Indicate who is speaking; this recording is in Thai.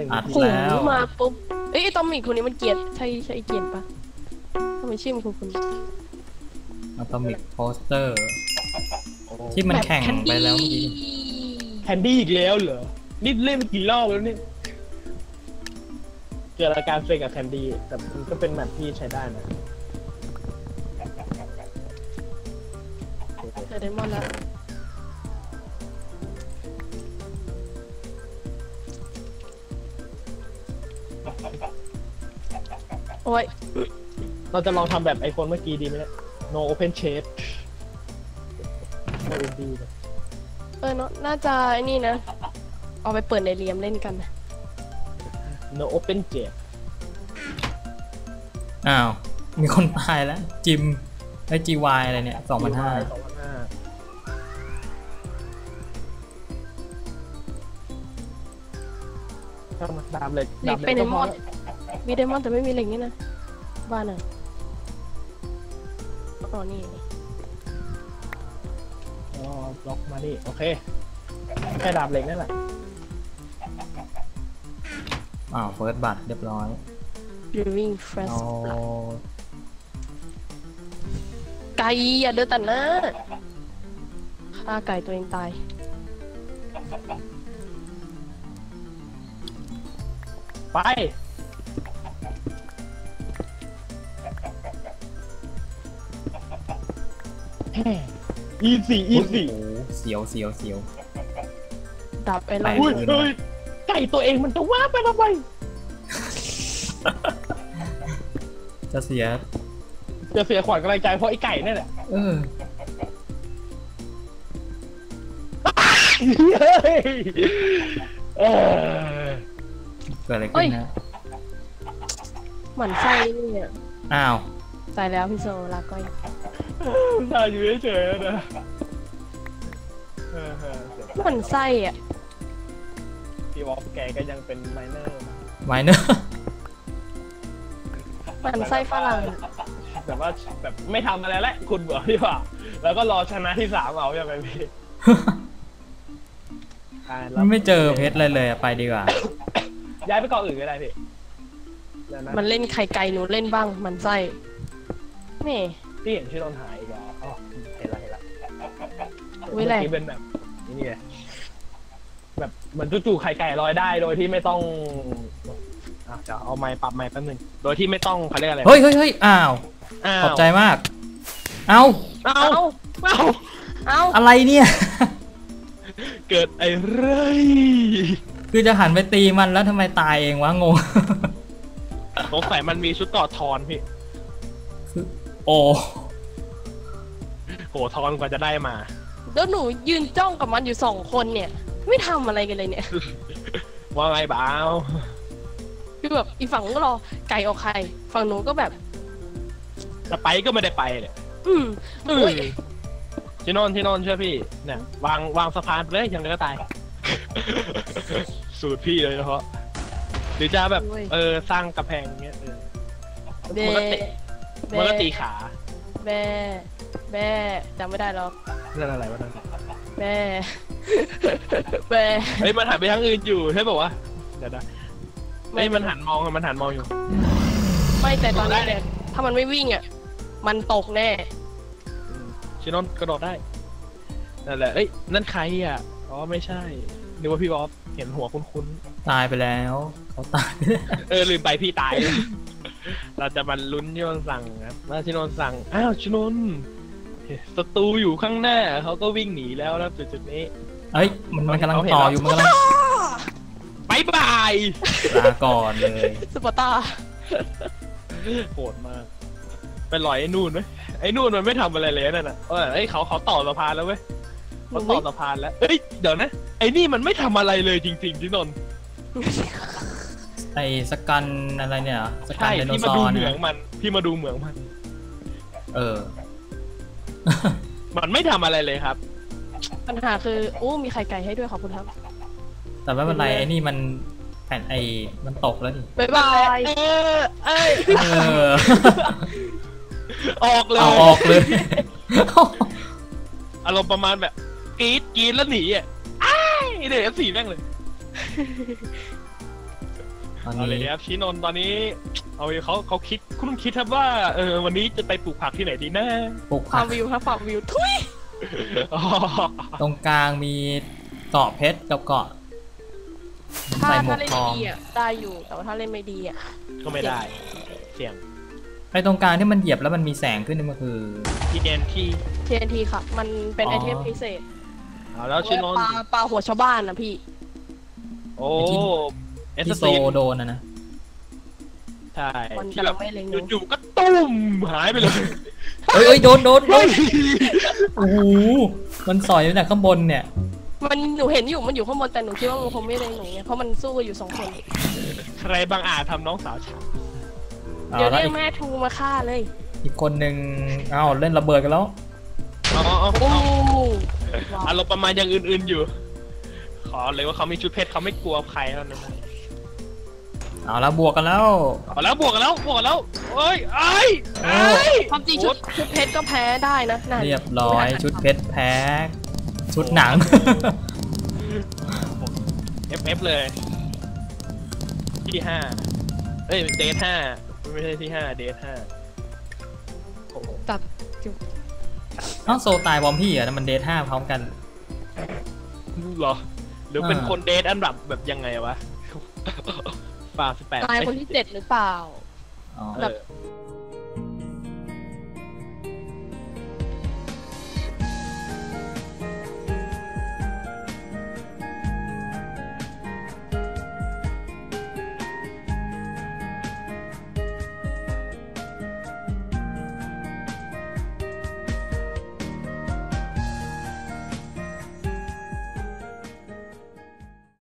Speaker 1: อัด
Speaker 2: หู
Speaker 1: แล้ว
Speaker 2: มาปุ๊บเอ้ยไอ้ตอมมี่คนนี้มันเกลียดใช่เกลียดปะทำไมชื่อมันคุณ
Speaker 1: อะตอมิกโพสเตอร์ที่มันแข่งไปแล้วเมื่อกี้
Speaker 3: แคนดี้อีกแล้วเหรอนี่เล่นไปกี่รอบแล้วเนี่ยเจอรายการเฟกกับแคนดี้แต่มันก็เป็นแมปที่ใช้ได้นะ
Speaker 2: เดยวไดมอนด์แล้วโอ้ย
Speaker 3: เราจะลองทำแบบไอคนเมื่อกี้ดีไหมเนี่ย no open shade ไม่ดีเลย
Speaker 2: เนาะน่าจะไอ้นี่นะเอาไปเปิดในเรียมเล่นกันนะ
Speaker 3: no open shade
Speaker 1: อ้าว มีคนตายแล้วจิมไอจีวายอะไรเนี่ย2,500
Speaker 3: เข้ามาดามเหล็ก
Speaker 2: เหล็กเป็นไดมอนด์มีไดมอนด์แต่ไม่มีเหล็กนี่นะบ้านอ่ะอ๋อนี่
Speaker 3: อ๋อบล็อกมาดิโอเคแค่ดาบเหล็กนั่นแหละ
Speaker 1: อ้าวเฟิร์สบัตรเรียบร้อย
Speaker 2: Brewing Fresh
Speaker 1: เอา
Speaker 2: ไก่อย่าเดินตัดหน้าฆ่าไก่ตัวเองตาย
Speaker 3: ไปอีสี่
Speaker 1: โอ้โหเสียว
Speaker 2: ดับไอ้ไร
Speaker 3: อุ้ยเฮ้ยไก่ตัวเองมันจะว่าไปทำไม
Speaker 1: จะเสีย
Speaker 3: จะเสียขวัญกำลังใจเพราะไอ้ไก่นี่แหละ
Speaker 1: เออ
Speaker 3: เฮ้ยเออ
Speaker 1: เกิดอะไรขึ้นนะ
Speaker 2: หมั่นไส้นี่เนี่ย
Speaker 1: อ้าว
Speaker 2: ตายแล้วพี่โซลาก้อย
Speaker 3: ตายอยู่เฉยๆนะ
Speaker 2: หมั่นไส้อ่ะ
Speaker 3: พี่วอลแกก็ยังเป็นไมเนอร์
Speaker 1: ไมเนอร์
Speaker 2: หมั่นไส้ฝรั่งอะ
Speaker 3: แบบว่าแบบไม่ทำอะไรแล้วคุณเบื่อพี่ว่าแล้วก็รอชนะที่3เอาอย่างไรพี่
Speaker 1: ไม่เจอเพชรเลยอะไปดีกว่า
Speaker 3: ย้ายไปเกาะอื่นก็ได้พี่แล้วนะ
Speaker 2: มันเล่นไข่ไก่หนูเล่นบ้างหมันไส้นี่
Speaker 3: พี่เห็นชื่อโดนหายอีกแล้วอ๋อเห็นละ
Speaker 2: อุ้ยแหละ
Speaker 3: เมื่อกี้เป็นแบบนี่ไงแบบเหมือนจู่ๆไข่ไก่ลอยได้โดยที่ไม่ต้องจะเอาไม้ปรับไม้แป๊บนึงโดยที่ไม่ต้องเขาเรียกอะไร
Speaker 1: เฮ้ยอ้าว ขอบใจมาก เอา
Speaker 3: เอา
Speaker 2: เอา
Speaker 1: อะไรเนี่ย
Speaker 3: เกิดไอ้ไร
Speaker 1: คือจะหันไปตีมันแล้วทำไมตายเองวะงง
Speaker 3: สงสัยมันมีชุดต่อทอนพี่
Speaker 1: โอ้
Speaker 3: โหทอนกว่าจะได้มา
Speaker 2: แล้วหนูยืนจ้องกับมันอยู่2 คนเนี่ย ไม่ทำอะไรกันเลยเนี่ย
Speaker 3: ว่าไงบ้าว
Speaker 2: คือแบบอีฝั่งก็รอไก่ออกไข่ฝั่งหนูก็แบบ
Speaker 3: จะไปก็ไม่ได้ไปเลย
Speaker 2: อุ้ย
Speaker 3: ที่นอนเชื่อพี่เนี่ยวางสะพานไปเลยยังไงก็ตาย สูตรพี่เลยเฉพาะหรือจะแบบสร้างกระแพงเงี้ย
Speaker 2: เบ
Speaker 3: มันก็ตีขา
Speaker 2: แบจำไม่ได้หรอก
Speaker 3: เรื่องอะไรวะนั่น
Speaker 2: แบ
Speaker 3: เฮ้ยมันหันไปทางอื่นอยู่ใช่ป่าวะเดี๋ยวนะเฮ้ยมันหันมองอยู่
Speaker 2: ไม่แต่ตอนนี้เนี่ยถ้ามันไม่วิ่งอ่ะมันตกแน่
Speaker 3: ชินอนกระโดดได้นั่นแหละเอ้ยนั่นใครอ่ะอ๋อไม่ใช่นึกว่าพี่บอสเห็นหัวคุ้น
Speaker 1: ตายไปแล้วเขาตายไปแล้ว
Speaker 3: ลืมไปพี่ตาย เราจะมาลุ้นชินอนสั่งครับว่าชินอนสั่งอ้าวชินอนศัตรูอยู่ข้างหน้าเขาก็วิ่งหนีแล้วนะจุดนี้
Speaker 1: เอ้ยมันกำลังต่ออยู่มันกำลัง
Speaker 3: บายบาย
Speaker 1: ลาก่อนเลย
Speaker 2: สปอร์ตา
Speaker 3: โหดมากไปลอยไอ้นู่นไหมไอ้นู่นมันไม่ทำอะไรเลยนั่นน่ะเอ้ยเขาต่อสะพานแล้วเว้ยเขาต่อสะพานแล้วเอ้ยเดี๋ยวนะไอ้นี่มันไม่ทำอะไรเลยจริงๆที่นนท์
Speaker 1: ไอ้สกันอะไรเนี่ยสกัน
Speaker 3: ใช่
Speaker 1: ไดโน
Speaker 3: ที่
Speaker 1: เสา
Speaker 3: มาดู
Speaker 1: ร์
Speaker 3: เหมื
Speaker 1: เนี่
Speaker 3: อย งมันที่มาดูเหมืองมัน
Speaker 1: เออ
Speaker 3: มันไม่ทำอะไรเลยครับ
Speaker 2: ปัญหาคืออู้มีไข่ไก่ให้ด้วยขอบคุณครับ
Speaker 1: แต่ไม่เป็นไรไอ้นี่มันแผ่นมันตกแล้วดิ
Speaker 2: บ๊ายบาย
Speaker 3: เอ้ย
Speaker 1: เออ
Speaker 3: ออกเลย
Speaker 1: เอาออกเลย
Speaker 3: อารมณ์ประมาณแบบกรี๊ดแล้วหนีอ่ะอ้ายเดี๋ยวF4แม่งเลย
Speaker 1: ตอน
Speaker 3: เอาเลย
Speaker 1: นี้
Speaker 3: ครับชินนท์ตอนนี้เขาคิดคุณคิดครับว่าวันนี้จะไปปลูกผักที่ไหนดีนะ
Speaker 1: ปลูก
Speaker 2: ฟา
Speaker 1: ผั
Speaker 2: ร์
Speaker 1: ก
Speaker 2: มวิวครับฟาร์มวิวทุย
Speaker 3: อ๋อ
Speaker 1: ตรงกลางมีเกาะเพชรกับเกาะ
Speaker 2: ถ้า
Speaker 1: ใส่หมว
Speaker 2: ถ้าก เล่น
Speaker 1: ทอง
Speaker 2: ดีอ่ะได้อยู่แต่ว่าถ้าเล่นไม่ดีอ่ะ
Speaker 3: ก็ไม่ได้เสี่ยง
Speaker 1: ไอ้ตรงกลางที่มันเหยียบแล้วมันมีแสงขึ้นนี่มันคือ
Speaker 3: ที่แดนที่
Speaker 2: TNT ค่ะ มันเป็น
Speaker 1: อ๋อ
Speaker 2: ไอเทมพิเศษ
Speaker 3: เอาแล้วชินนท์
Speaker 2: ปลาหัวชาวบ้านนะพี่
Speaker 3: โอ้เอส
Speaker 1: ที่โซ
Speaker 3: ซี
Speaker 1: โดนนะ
Speaker 3: ใช่
Speaker 2: มัน
Speaker 3: ที่
Speaker 2: กำ
Speaker 3: แบ
Speaker 2: ลั
Speaker 3: บ
Speaker 2: งไม่เล็งหนู
Speaker 3: จู่ๆก็ตุ้มหายไปเลย
Speaker 1: เอ้ยโดนโอ้โหมันสอยมาจากข้างบนเนี่ย
Speaker 2: มันหนูเห็นอยู่มันอยู่ข้างบนแต่หนูคิดว่ามันคงไม่เล็งหนูไงเพราะมันสู้กันอยู่2 คน
Speaker 3: ใครบางอาจทำน้องสาวฉัน
Speaker 2: เดี๋ยว
Speaker 1: แล้ว
Speaker 2: เรียกแม่ทูมาฆ่าเลย
Speaker 1: อีกคนนึงอ้าวเล่นระเบิดกันแล้ว
Speaker 3: อ๋อ
Speaker 2: โอ้
Speaker 3: อารมณ์ประมาณอย่างอื่นๆอยู่ ขอเลยว่าเขามีชุดเพชรเขาไม่กลัวใครแล้วนะ
Speaker 1: เอาแล้วบวกกันแล้ว
Speaker 3: เอาแล้วบวกกันแล้วเอ้ยไอ้ไอ้
Speaker 2: ความจริงชุดเพชรก็แพ้ได้นะนั่น
Speaker 1: เรียบร้อยชุดเพชรแพ้ชุดหนัง
Speaker 3: FF เลย ที่5เอ้ยเดท5ไม่ใช่ที่5เดท5โอ้โห
Speaker 2: ตัดจุ
Speaker 1: เอ้าโซตายบอมพี่อ่ะมันเดท5พร้อมกัน
Speaker 3: เหรอหรือเป็นคนเดทอันดับแบบยังไงวะป่า18
Speaker 2: ตายคนที่7หรือเปล่า
Speaker 1: อ๋อ
Speaker 2: แบบ